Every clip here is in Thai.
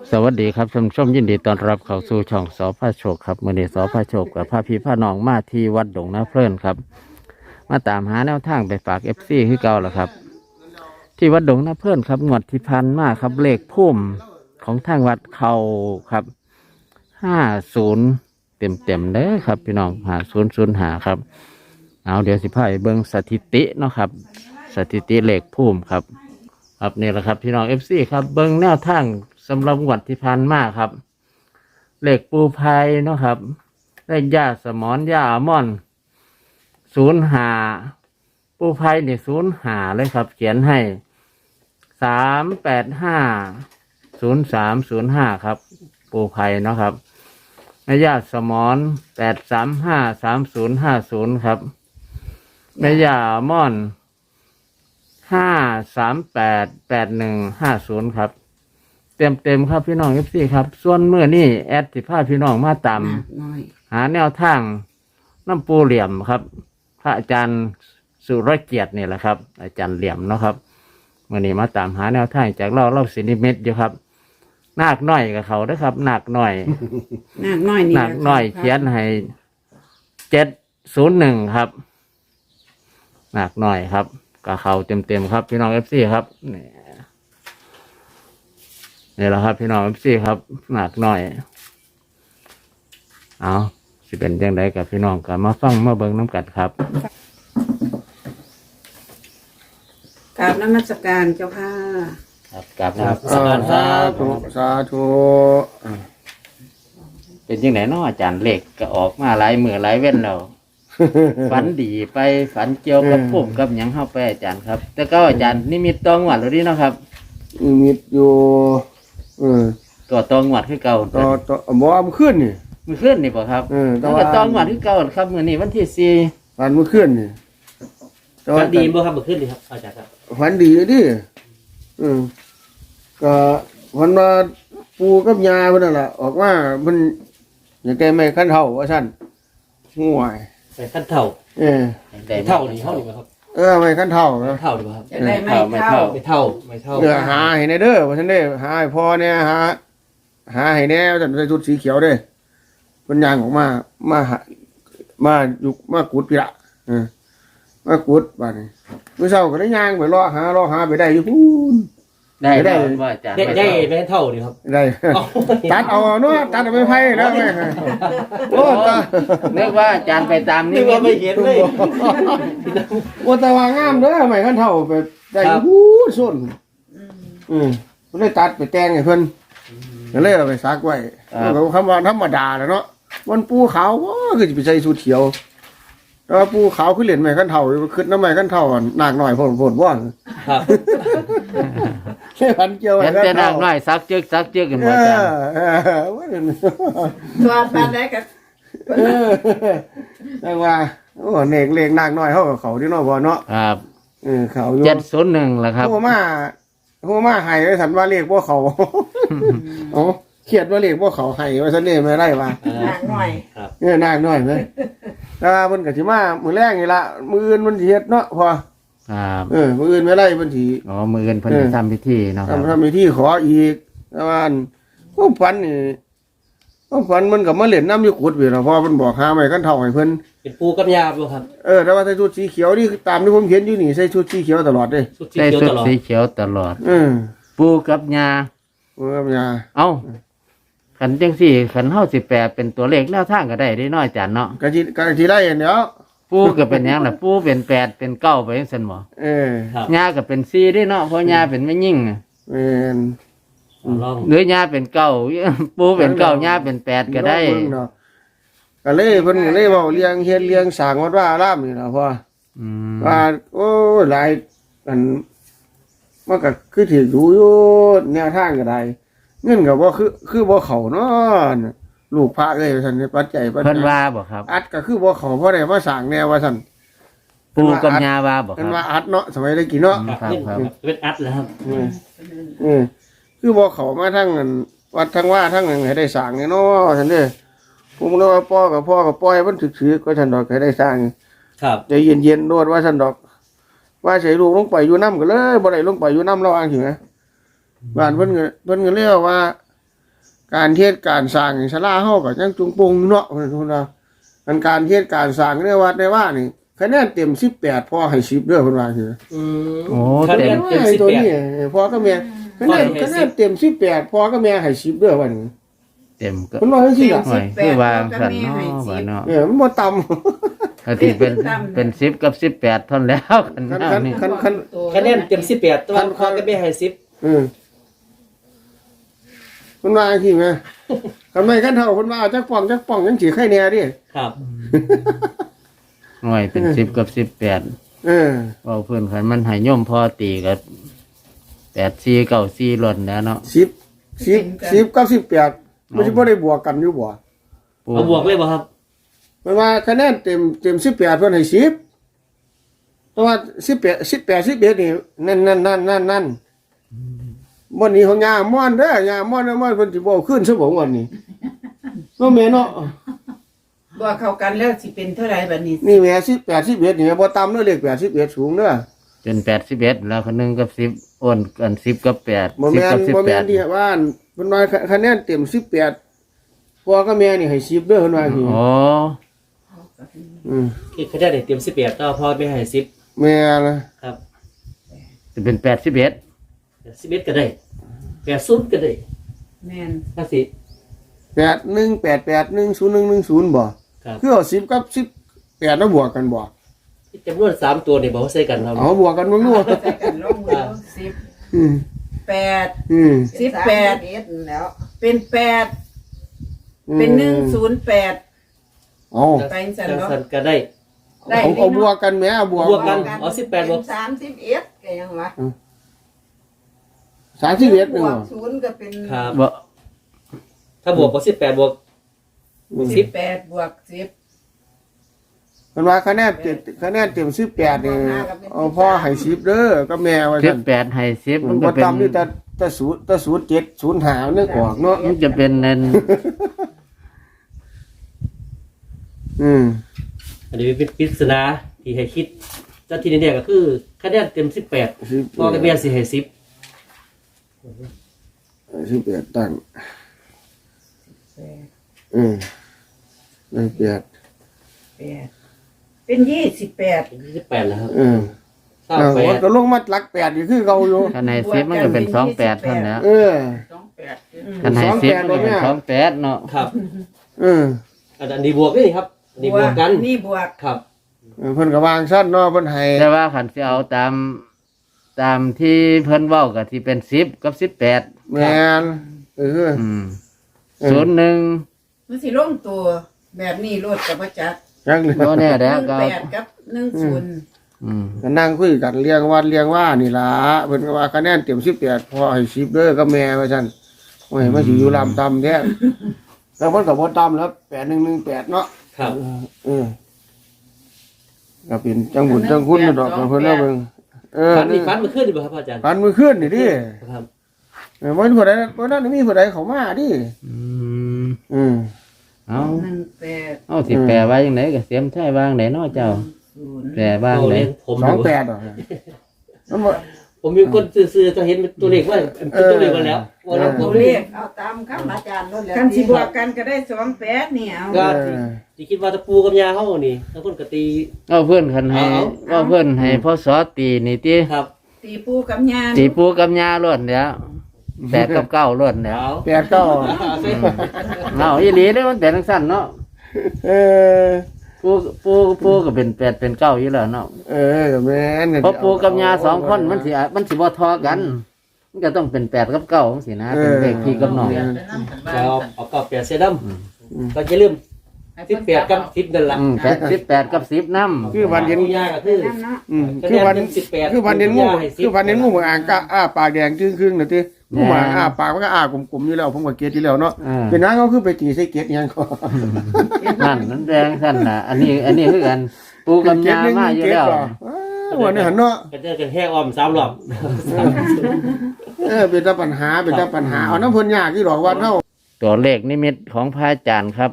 สวัสดีครับท่านผู้ชมยินดีต้อนรับเข้าสู่ช่องสพโชคครับมื้อนี้สพโชคกับพาพี่พาน้องมาที่วัดดงนาเพลินครับมาตามหาแนวทางไปฝากFCคือเก่าแล้วครับที่วัดดงนาเพลินครับงวดที่พันมาครับเลขพุ่มของทางวัดเขาครับ50เต็มเด้อครับพี่น้อง5005ครับเอาเดี๋ยวสิพาไปเบิ่งสถิติเนาะครับสถิติเลขพุ่มครับครับนี่แหละครับพี่น้องFCครับเบิ่งแนวทางสำหรับงวดที่ผ่านมาครับเลขปูไพเนาะครับเลขย่าสมอนย่าอัลมอนด์05ปูไพเนี่ย05เลยครับเขียนให้3850305ครับปูไพเนาะครับแม่ย่าสมอน8353050ครับแม่ย่าอัลมอนด์5388150ครับเต็มครับพี่น้องFCครับส่วนเมื่อนี่แอดสิพาพี่น้องมาตามหาแนวทางน้ำปูเหลี่ยมครับพระอาจารย์สุรเกียรตินี่แหละครับอาจารย์เหลี่ยมเนาะครับเมื่อนี้มาตามหาแนวทางจากเล่าสินิมิตอยู่ครับนาคน้อยกับเขานะครับนาคน้อยนาคน้อยนี่นาคน้อยเขียนให้701ครับนาคน้อยครับกับเขาเต็มครับพี่น้องFCครับนี่แหละครับพี่น้องFCครับหนักหน่อยเอาสิเป็นยังไงกับพี่น้องกันมาฟังมาเบิ่งน้ำกัดครับกราบนมัสการเจ้าค่ะครับกลับนะครับสาธุสาธุเป็นยังไงเนาะอาจารย์เลขก็ออกมาหลายมือหลายเว้นแล้ว ฝันดีไปฝันเกี่ยวกับพุ่มกับหยังเข้าไปอาจารย์ครับ แต่ก็อาจารย์นิมิตตองหวัดหรือดีเนาะครับมีอยู่ตัวตองหวัดคือเก่าต่อบ่มันขึ้นนี่มือขึ้นนี่ป่ะครับแต่แล้วว่าก็ตองหวัดคือเก่าครับมือนี้วันที่4 ฝันมันขึ้นนี่ฝันดีบ่ครับเมื่อคืนนี่ครับอาจารย์ครับฝันดีดิก็วันมาปูกับยาเพิ่นนั่นล่ะออกมาเพิ่นอยากได้ไม้คันเฒ่าว่าซั่นห่วยไปขั้นเท่าได้เท่านี่เท่านี่บ่ครับไม้คันเฒ่านะเท่าดีบ่ครับจะได้ไม่เข้าไม่เท่าไม่เท่าหาให้ในเด้อว่าซั่นเด้หาให้พ่อเนี่ยหาให้แน่ว่าซั่นใส่ชุดสีเขียวเด้เพิ่นย่างออกมาอยู่มากุดพี่ละมากุดบัดนี้มื้อเช้าก็ได้ย่างไปรอหาไปได้อยู่พูนได้ได้ว่าอาจารย์ได้ไม่เท่าดีครับได้ ตัดเอาเนาะตัดเอาไปไผ่แล้วแม่โอ้ตานึกว่าอาจารย์ไปตามนี่นี่ว่าไม่เห็นเลยโอ้ตาวางามเด้อไม่คันเท่าไปได้หูส้นมันได้ตัดไปแต่งให้เพิ่นก็เลยเอาไปซักไว้ก็คำว่าธรรมดาแหละเนาะมันปูขาวก็จะไปใส่สูทเขียวแต่ว่าปูขาวคือเหรียญไม้คันเท่าขึ้นน้ำไม้คันเท่านากหน่อยพ่นว่างครับใช่พันเกี่ยวเห็นแต่นางน้อยซักจึกกันหมดอาจารย์ตัวตาได้กับแต่ว่าโอ้เนกเลขนากน้อยเขาที่นอกบ่เนาะครับเขาอยู่ 701แหละครับหัวมาให้ไว้สันว่าเลขบ่เขาโอ้เครียดว่าเลขบ่เขาให้ว่าซั่นนี่ไม่ได้ว่านาคน้อยนากน้อยเด้แต่ว่าเพิ่นก็สิมามื้อแรกนี่ล่ะมื้ออื่นมันสิเฮ็ดเนาะพอครับมื้ออื่นไม่ได้เพิ่นสิอ๋อมือเงินเพิ่นจะทำพิธีเนาะครับทำพิธีขออีกแต่ว่าความฝันนี่ความฝันมันก็มาเล่นน้ำอยู่กุดพี่ล่ะพอมันบอกหาไม้คันเท่าให้เพิ่นเป็นปูกับยาบ่ครับแต่ว่าใส่ชุดสีเขียวนี่ตามที่ผมเห็นอยู่นี่ใส่ชุดสีเขียวตลอดเด้สุดสีใส่เขียวสุดตลอดสีเขียวตลอดเออปูกับยายาเอ้าขันจังสี่ขันเฮาสิแปลเป็นตัวเลขแนวทางก็ได้ได้น้อยอาจารย์เนาะกะทิได้เดี๋ยวปูก็เป็นหยังล่ะปูเป็น8เป็น9ไปจังซั่นบ่ครับยาก็เป็น4ได้เนาะเพราะยาเป็นแม่ยิ่งเป็นลองหรือยาเป็น9ปูเป็น9ยาเป็น8ก็ได้ก็เลยเพิ่นก็เลยเว้าเลี้ยงเฮ็ดเลี้ยงสร้างวัดว่าอารามนี่ล่ะพ่ออืมว่าโอ้หลายอันมันก็คือถือดูอยู่แนวทางก็ได้เงินก็บ่คือบ่เข้าเนาะลูกพระเอ้ยว่าซั่นปัจจัยเพิ่นว่าบ่ครับอัดก็คือบ่เข้าเพราะได้มาสร้างแนวว่าซั่นปูกับยาว่าบ่คเพิ่รันบว่าอัดเนาะสมัยได้กี่เนาะครับครับเป็นอัดแล้วครับคือบ่เข้ามาทั้งอันวัดทั้งว่าทั้งอันให้ได้สร้างนี่เนาะซั่นเด้อผมเลยว่าพ่อก็ปล่อยมันถึกๆก็ซั่นดอกให้ได้สร้างครับใจเย็นๆโดดว่าซั่นดอก ว่าใส่ลูกลงไปอยู่น้ำก็เลยบ่ได้ลงไปอยู่น้ำระวังถึงนะบ้านเพิ่นก็เรียกว่าการเทศการสร้างศาลาเฮาก็ยังจุงปงเนาะเพิ่นว่าอันการเทศการสร้างในวัดในว่านี่คะแนนเต็ม18พอให้10เด้อเพิ่นว่าคืออืมโอ้คะแนเต็นมเต็มไอ้สิบตัวแปดนี้พอก็แม่คะแนนเต็ม18พอก็แม่ให้10เด้อว่านี่เต็มก็เพิ่นว่าจังซี่ล่ะหน่อยคือวางสันเนาะว่าเนาะมันบ่ต่ำก็ที่เป็น10กับ18เท่านั้นแล้วกันคันเนาะคันนี่คันคันคะแนนเต็ม18ตัวพอก็ไม่ให้10 มันว่าจังซี่แม่ทำไมคันเท่าเพิ่นว่าจักป้องยังสิไข่แน่ดิครับหน่อยเป็น10กับ18เว้าเพิ่นคันมันให้โยมพอตีก็84 94ล้นแล้วเนาะ 10กับ18มันสิบ่ได้บวกกันอยู่บ่ปูเอาบวกเลยบ่ครับมันว่าคะแนนเต็ม18เพิ่นให้10แต่ว่า18 11นี่นั่นบ่นี้ของยาม่อนเด้อยาม่อนเพิ่นสิบ่เอาขึ้นซะบ่วันนี้เนาะแม่เนาะบ่เข้ากันแล้วสิเป็นเท่าไหร่บัดนี้นี่แม่18 11นี่บ่ต่ำเด้อเลข8 11สูงเด้อเป็น81แล้วคนนึงกับ10อ้นกัน10กับ8 บ่แม่น 10กับบ่แม่นที่ 18 ว่าเพิ่นว่าคะแนนเต็ม18พ่อกับแม่นี่ให้10เด้อเพิ่นว่าคืออ๋อคือคะแนนเต็ม18ตัวพอไม่ให้10 แม่นะครับจะเป็น81 11ก็ได้80ก็ได้แม่นภาษี 8188101110บ่ครับคือเอา10กับ18แล้วบวกกันบ่จำนวน3ตัวนี่บอกว่าใส่กันครับเอาบวกกันบ่รู้ใส่กันลงมือ10 อืม 8 อืม 18แล้ว เป็น8เป็น108 เอาไปจังซั่นจังเนาะสันก็ได้ได้เอาบวกกันแหม่เอาบวกบวกกัน อ๋อ18บวก 31ก็ยังวะ 31 บนึงวบ่ก0ก็เป็นครับบ่ถ้าบวกก็18บวก 18บวก10 เพิ่นว่าคะแนนเต็ม18นี่เอาพ่อให้10เด้อกับแม่ว่าซั่น 18ให้10 มัมัน นบ่ก็เป็นต่ำนี่แต่07 05นึกออกเนาะมันจะเป็นนั่นอันนี้เป็นปริศนาที่ให้คิดแต่ที่นี่ก็คือคะแนนเต็ม18พอกับแม่สิให้10 18ตั้ง8 เป็น28 28แล้วครับมันก็ลงมาหลัก8นี่คือเก่าอยู่คันให้10มันก็เป็น28เท่านั้นแหล้ว 28 คันให้10มันก็เป็น28เนาะครับเอออันนี้บวกนี่ครับอันนี้บวกกันนี่บวกครับเพิ่นก็วางซั่นเนาะเพิ่นให้แต่ว่าคันสิเอาตามที่เพิ่นเว้าก็สิเป็น10กับ18 แม่นอืม 01 มันสิลงตัวแบบนี้โลดกับบ่จักจังเลยบ่แน่แล้วก็ 18กับ10 อืมก็นั่งคุยกันเรียงวัดเรียงว่านี่ล่ะเพิ่นก็ว่าคะแนนเต็ม18พอให้10เด้อกับแม่ว่าซั่นโอ้ยมาสิอยู่ลำต่ำแท้แล้วเพิ่นก็บ่ต่ำแล้ว8118เนาะครับก็เป็นจังบุญจังคุณดอกเพิ่นแล้วเบิ่งฟันนี่ฟันมันขึ้นดีบ่ครับอาจารย์ปันมือขึ้นนี่ดิครับบ่มีผู้ใดบ่นั้นมีผู้ใดเข้ามาดิอืมเอาเอาสิแปลว่าจังไดก็เสียมใช่วางไหนเนาะเจ้าแปลว่าจังไดผม 28ดอกมันบ่ผมมีคนซื้อๆจะเห็นตัวเลขว่าเป็นตัวเลขมาแล้วว่าเราตัวเลขเอาตามคำอาจารย์นั่นแหละกันสิบวกกันก็ได้28นี่เอาก็ที่คิดว่าตะปูกับยาเฮานี่ทั้งคนก็ตีเอาเพื่อนคันให้เอาเอาเพื่อนให้พ่อสอตีนี่ติครับตีปูกับยาตีปูกับยาล้วนแล้ว8กับ9ล้วนแล้วเอา 8 9 เอาอีหลีเด้อมันเป็นจังซั่นเนาะเออปูก็เป็น8เป็น9อยู่แล้วเนาะก็แม่นเพราะปูกับยา2คนมันสิบ่ทอกัน มันก็ต้องเป็น8กับ9จังซี่นะเป็นเลขพี่กับน้องแล้วเอากรอบแปดเสดำก็จะลืม18กับ10นั่นล่ะ 18กับ10นำคือวันเห็นยาก็คือเนาะคือวัน 18 คือวันเห็นงูคือวันเห็นงูเหมือนอ่างก็อ้าปากแดงครึ่งๆน่ะติงูหมาอ้าปากมันก็อ้ากลมๆอยู่แล้วผมก็เกลียดอยู่แล้วเนาะเป็นนั้นเขาคือไปตีใส่เกลียดหยังก็นั่นแดงซั่นน่ะอันนี้คือกันปูกับยามาอยู่แล้ววันนี้หันเนาะก็จะกันแห้อ้อม3รอบเป็นแต่ปัญหาเอาน้ำเพิ่นยากที่ดอกวัดเฮาตัวเลขนิมิตของพระอาจารย์ครับ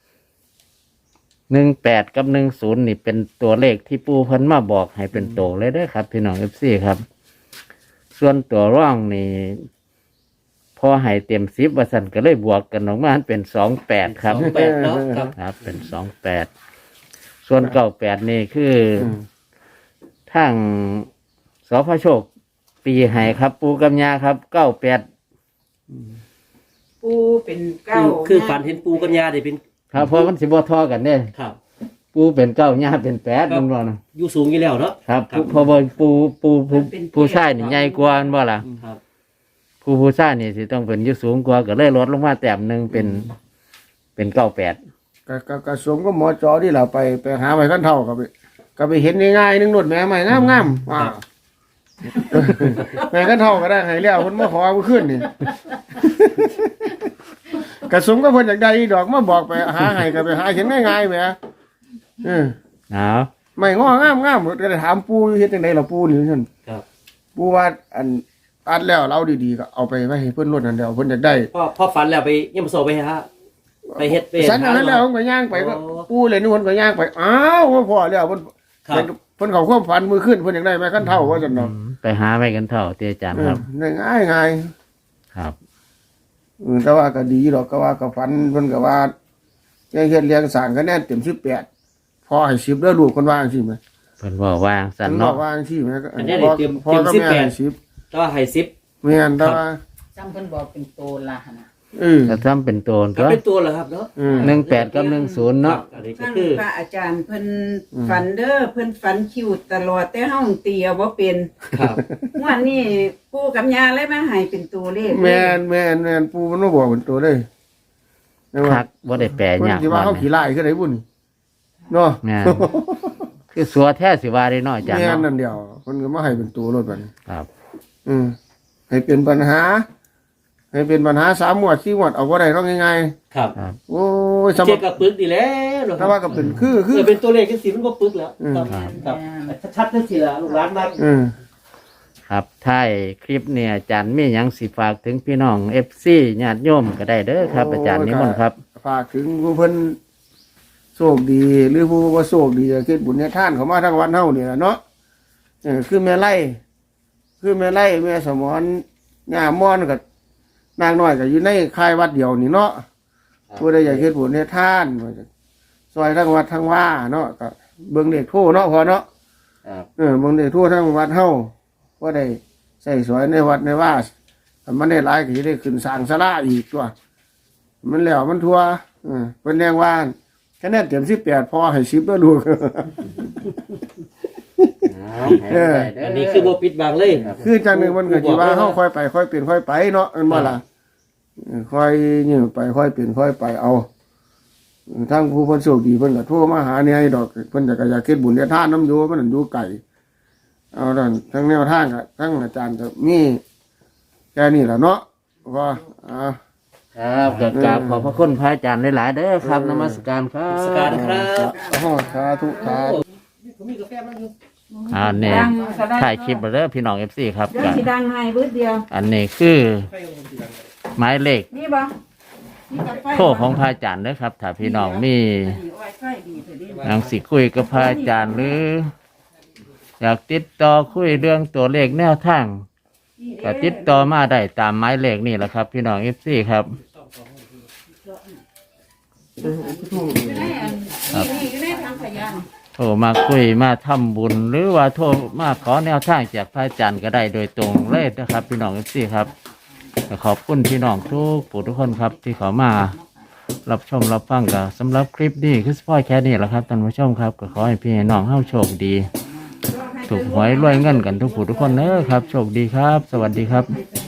18กับ10นี่เป็นตัวเลขที่ปู่เพิ่นมาบอกให้เป็นโตเลยเด้อครับพี่น้อง FC ครับ ส่วนตัวร่องนี่พพอให้เต็ม10ว่าซั่นก็เลยบวกกันออกมาเป็น28ครับ 28เนาะครับครับเป็น28ส่วน98นี่คือทางสพโชคตีให้ครับ ปูกับยาครับ98 ปูเป็นเก้าคือฝันเห็นปูกับยาได้เป็นครับเพราะมันสิบ่ทอกันเด้ครับปูเป็น9ยาเป็น8มันบ่นะอยู่สูงอยู่แล้วเนาะครับครับเพราะว่าปูชายนี่ใหญ่กว่าแม่นบ่ล่ะครับผู้ชายนี่สิต้องเป็นอยู่สูงกว่าก็เลยลดลงมาแต้มหนึงเป็น98 ก็สมก็หมอจอที่เราไปหาไม้ขั้นเท่าก็ไปเห็นง่ายๆนึงนวดแม่ใหม่งามๆว้าวแม่ขั้นเท่าก็ได้ให้แล้วเพิ่นมาขอเอาขึ้นนี่ กระสมก็เพิ่นอยากได้อีดอกมาบอกไปหาให้ก็ไปหาเห็นง่ายๆแหมเอาไม่งองามก็ได้ถามปู่เฮ็ดจังได๋ล่ะปู่นี่ซั่นครับปู่ว่าอัดแล้วเราดีๆก็เอาไปไว้ให้เพิ่นรดนั่นเดียวเพิ่นอยากได้พอฝันแล้วไปยังมาโซไปฮะไปเฮ็ดไปสันอันนั้นแล้วผมก็ย่างไปก็โอ้ปู่เลยนู่นก็ย่างไปอ้าวว่าพอแล้วเพิ่นครับเพิ่นเขาความฝันมือขึ้นเพิ่นอยากได้ไม้ขั้นเท่าว่าซั่นเนาะไปหาไว้กันเท่าที่อาจารย์ครับง่ายครับแต่ว่าก็ดีดอกก็ว่าก็ฝันเพิ่นก็ว่าเฮ็ดเลี้ยงสร้างคะแนนเต็ม18พอให้10เด้อลูกคนว่าจังซี่แหมเพิ่นบอกว่าสั่นเพิ่นบเนาะอกว่าจังซี่แหมก็อันนี้เต็มพอก็แม่ให้10 แต่ว่าให้ซิปแม่นแต่ว่าจำเพิ่นบอกเป็นโตละหั่นน่ะก็ซ้ำเป็นโตนก็ตัวเป็นตัวเหรอครับเนาะ 18กับ10เนาะอันนี้ก็ฟังคือพระอาจารย์เพิ่นฝันเด้อเพิ่นฝันคิวตลอดแต่เฮาตีเอาบ่เป็นครับงวดนี้ปู่กับย่าเลยมาให้เป็นตัวเลขแม่นปู่มันบ่บอกเป็นตัวเลยแม่นคัว่ากบ่ได้แปลเพิ่นยากสิว่าเฮาขี้ลายคือไดบุ่นเนาะแม่นคือสัวแท้สิว่าได้น้อยอาจารย์แม่นเนาะนั่นเดียวเพิ่นก็มาให้เป็นตัวรถบัดนี้ครับให้เป็นปัญหา ให้เป็นปัญหา3งวด4งวดเอาบ่ได้เนาะง่ายครับๆโอ้ยสำหเช็รัคบกับปึกดีแล้วเหรอคถ้ารับว่าก็เป็นคือเป็นตัวเลขแค่สีมันก็ปึกแล้วอืมครับชัดๆนั่นสิล่ะลูกหลานมาครับท้ายคลิปเนี่ยอาจารย์มีหยังสิฝากถึงพี่น้อง FC ญาติโยมก็ได้เด้อครับ อาจารย์นิมนต์ครับฝากถึงผู้เพิ่นโชคดี หรือผู้บ่โชคดีก็คิดบุญให้ท่านเขามาทั้งวันเฮานี่ล่ะเนาะคือแม่ไล่แม่สมรย่ามอนกับนางน้อยก็อยู่ในค่ายวัดเดียวนี่เนาะผู้ใดอยากเฮ็ดบุญให้ท่านซอยทั้งวัดทั้งว่าเนาะก็เบิ่งเด็กโทเนาะพอเนาะครับเบิ่งเด็กโททั้งวัดเฮาว่าได้ใส่สวยในวัดในว่าถ้ามันได้หลายก็สิได้ขึ้นสร้างศาลาอีกตัวมันแล้วมันทั่วเพิ่นแรงว่าคะแนนเต็ม18พอให้10ด้วยลูกอันนี้คือโบปิดบังเลยคือจังหนึงมันก็สิว่าเฮาค่อยไปค่อยเปลี่ยนค่อยไปเนาะอันบ่ล่ะค่อยยื้อไปค่อยเปลี่ยนค่อยไปเอาทั้งผู้เพิ่นโชคดีเพิ่นก็โทรมาหาเนี่ยให้ดอกเพิ่นก็อยากเฮ็ดบุญเฮ็ดทานนำอยู่มันนั่นอยู่ไกลเอาดันทั้งแนวทางก็ทั้งอาจารย์ก็มีแค่นี้ล่ะเนาะว่าครับก็กราบขอบพระคุณพระอาจารย์หลายๆเด้อครับนมัสการครัสการบครับสาธุสาธุผมมีกาแฟบ้างอยู่เนี่ยถ่ายคลิปเด้อพี่น้อง FC ครับเดี๋ยวสิดังให้เบิดเดียวอันนี้คือหมายเลขนี่บ่นี่กับไฟโทรของพระอาจารย์เด้อครับ ถ้าพี่น้องมีไฟดีเถอะดิหนังสิคุยกับพระอาจารย์หรือ อยากติดต่อคุยเรื่องตัวเลขแนวทางก็ติดต่อมาได้ตามหมายเลขนี่แหละครับ พี่น้อง FC ครับนี่อยู่ในทางขยะโทรมาคุยมาทำบุญ หรือว่าโทรมาขอแนวทางจากพระอาจารย์ก็ได้โดยตรงเลยนะครับ พี่น้อง FC ครับก็ขอบคุณพี่น้องทุกผู้ทุกคนครับที่เขามารับชมรับฟังกันสำหรับคลิปนี้คือสปอยแค่นี้แหละครับท่านผู้ชมครับก็ขอให้พี่ให้น้องเฮาโชคดี ถูกหวยรวยเงินกันทุกผู้ทุกคนเนอะครับ โชคดีครับ สวัสดีครับ